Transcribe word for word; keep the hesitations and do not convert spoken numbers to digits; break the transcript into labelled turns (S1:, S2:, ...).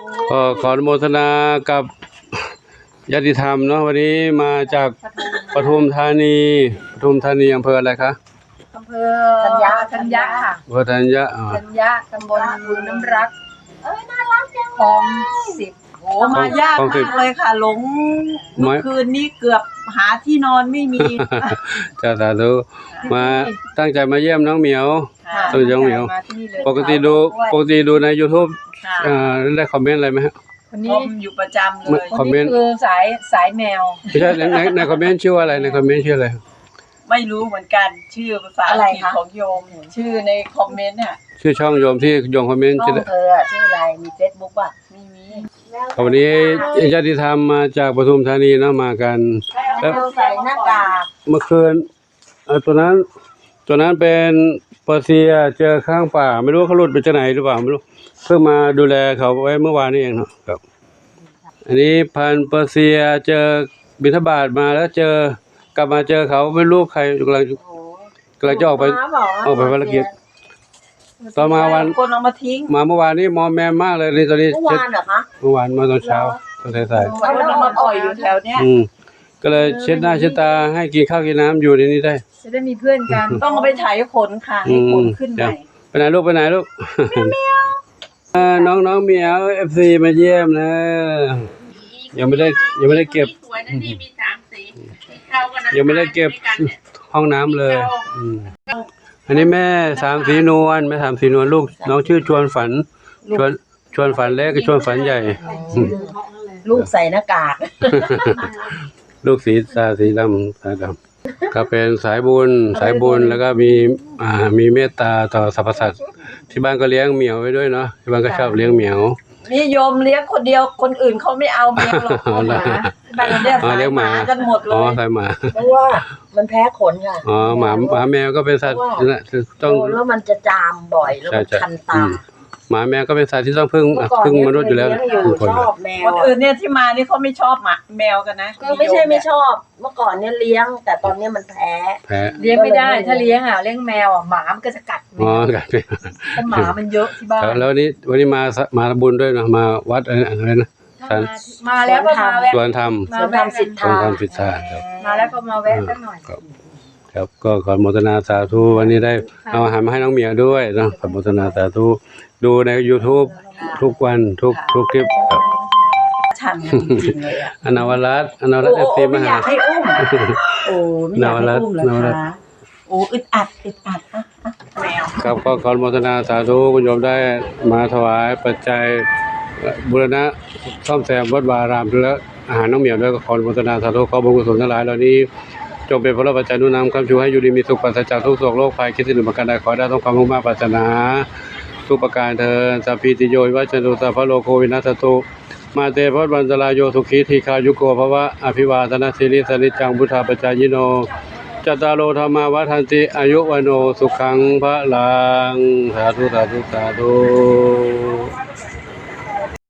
S1: ก็ขออนุโมทนากับญาติธรรมเนาะวันนี้มาจากปทุมธานีปทุมธานีอำเภออะไรคะ
S2: อำเภอธัญญาธัญญาค่ะ
S1: อำเภอธัญญา
S2: ธัญญาตำบลบึงน้ำรักเอ้ยน่ารักจังคลองสิบ
S3: โอ้มายากมากเลยค่ะหลงเมื่อคืนนี้เกือบหาที่นอนไม่มี
S1: จ้าสาธุมาตั้งใจมาเยี่ยมน้องเหมียวตัวน้องเหมียวปกติดูปกติดูใน YouTube อ่าได้คอมเมนต์อะไรไหมฮะ
S3: คนนี้อยู่ประจำเลย
S1: คอมเมนต์
S2: คือสายสายแมว
S1: ไม่ใช่ในในคอมเมนต์ชื่ออะไรในคอมเมนต์ชื่ออะไร
S3: ไม่รู้เหมือนกันชื่อภาษาอังกฤษของโยมชื่อในคอมเมนต์น่ะ
S1: ชื่อช่องโยมที่โยมคอมเมนต์
S2: ชื่อเธอชื่ออะไรมี Facebook ป่ะไม่มี
S1: วันนี้ญาติธรรมมาจากปทุมธานีเนาะมากัน
S2: แล้วใส่หน้ากาก
S1: เมื่อคืนเออตัวนั้นตัวนั้นเป็นเปอร์เซียเจอข้างป่าไม่รู้เขาหลุดไปจากไหนหรือเปล่าไม่รู้เพิ่งมาดูแลเขาไว้เมื่อวานนี้เองเนาะครับอันนี้พันเปอร์เซียเจอบิณฑบาตมาแล้วเจอกลับมาเจอเขาไม่รู้ใครกำลังกำลังจะออกไปออกไปภารกิจตอนมาวัน
S3: คนเอามาทิ้ง
S1: มาเมื่อวานนี้มอมแมมมากเลยนี่ตอนนี้
S2: เมื่อวานเหรอคะ
S1: เมื่อวานมาตอนเช้าตอนสาย
S3: ๆคนเอามาปล่อยอยู่แถวเนี้ย
S1: อืมก็เลยเช็ดหน้าเช็ดตาให้กินข้าวกินน้ำอยู่ในนี้ได้
S2: จะได้มีเพื่อนกัน
S3: ต้องเอาไปไถขนค่ะให้ขนขึ้นใหม่
S1: ไปไหนลูกไปไหนลูกน้องน้องเหมียวเอฟซีมาเยี่ยมนะยังไม่ได้ยังไม่ได้เก็บยังไม่ได้เก็บห้องน้ำเลยอันนี้แม่สามสีนวลแม่สามสีนวลลูกน้องชื่อชวนฝันชวนชวนฝันเล็กกับชวนฝันใหญ่
S2: ลูกใส่หน้ากาก
S1: ลูกสีตาสีดำตาดำก็เป็นสายบุญสายบุญแล้วก็มีอ่ามีเมตตาต่อสรรพสัตว์ที่บ้านก็เลี้ยงเหมียวไว้ด้วยเนาะที่บ้านก็ชอบเลี้ยงเหมียว
S3: นี่โยมเลี้ยงคนเดียวคนอื่นเขาไม่เอาแมวหรอกหมาบ้านเลี้ยงหมากันหมดเลย
S1: อ๋อสายหมา
S2: เพราะว่ามันแพ้ขนค่ะ
S1: อ๋อหมาหมาแมวก็เป็นสัตว์นะ
S2: ต้องแล้วมันจะจามบ่อยแล้วมันคันตา
S1: หมาแมวก็เป็นสัตว์ที่ต้องพึ่งพึ่งมนุษย์อยู่แล้ว
S2: คนชอบแมว
S3: คนอื่นเนี่ยที่มานี่เขาไม่ชอบหมาแมวกันนะ
S2: ก็ไม่ใช่ไม่ชอบเมื่อก่อนเนี่ยเลี้ยงแต่ตอนนี้มันแพ้
S1: แพ้
S2: เลี้ยงไม่ได้ถ้าเลี้ยงอ่ะเลี้ยงแมวอ่ะหมามันก็จะกัด
S1: อ๋อกัด
S2: เพราะหมามันเยอะที่บ้าน
S1: แล้ววันนี้วันนี้มามาบุญด้วยนะมาวัดอะไรนะ
S2: มาแล้วก็มาแวะ
S1: สวนธรรม
S2: สวนธรรมสิทธา
S1: สวนธรรมสิทธาครับ
S2: มาแล้วก็มาแวะสักหน่อย
S1: ครับก็ขอโมทนาสาธุวันนี้ได้เอาอาหารมาให้น้องเหมียวด้วยนะขอโมทนาสาธุดูใน YouTube ทุกวันทุกทุกคลิปครับ
S3: ฉันจริงเลยอ่ะ
S1: อนาวรัตน์อนาวรัตน์เอฟซีมาหา
S3: ให้อุ้มโอ้ไม่อยากให้อุ้มเหรอคะโอ้อึดอัดอึดอัดอ่ะแมว
S1: ครับก็ขอโมทนาสาธุคุณโยมได้มาถวายปัจจัยบูรณะซ่อมแซมวัดวารามและอาหารน้องเหมียวด้วยก็ขอโมทนาสาธุขอบุญกุศลทั้งหลายเหล่านี้จงเป็นพระปัจจัยนุนำคำชูให้อยู่ดีมีสุขปราศจากทุกโศกโรคภัยคิดสิ่งหนึ่งประการใดขอได้ต้องความมุ่งมั่นปรารถนาทุกประการเถิดสัพพิติโยวิวัชชันตุสัพพะโลกโควินัสตุมาเตภวัฏวันตรายโยสุขีทีคายุโกภวะอภิวาทนาสิริสนิจังพุทธาปัจจายโนจัตตารโลธรรมาวัฏันติอายุวโนสุขังพระลังสาธุสาธุสาธุ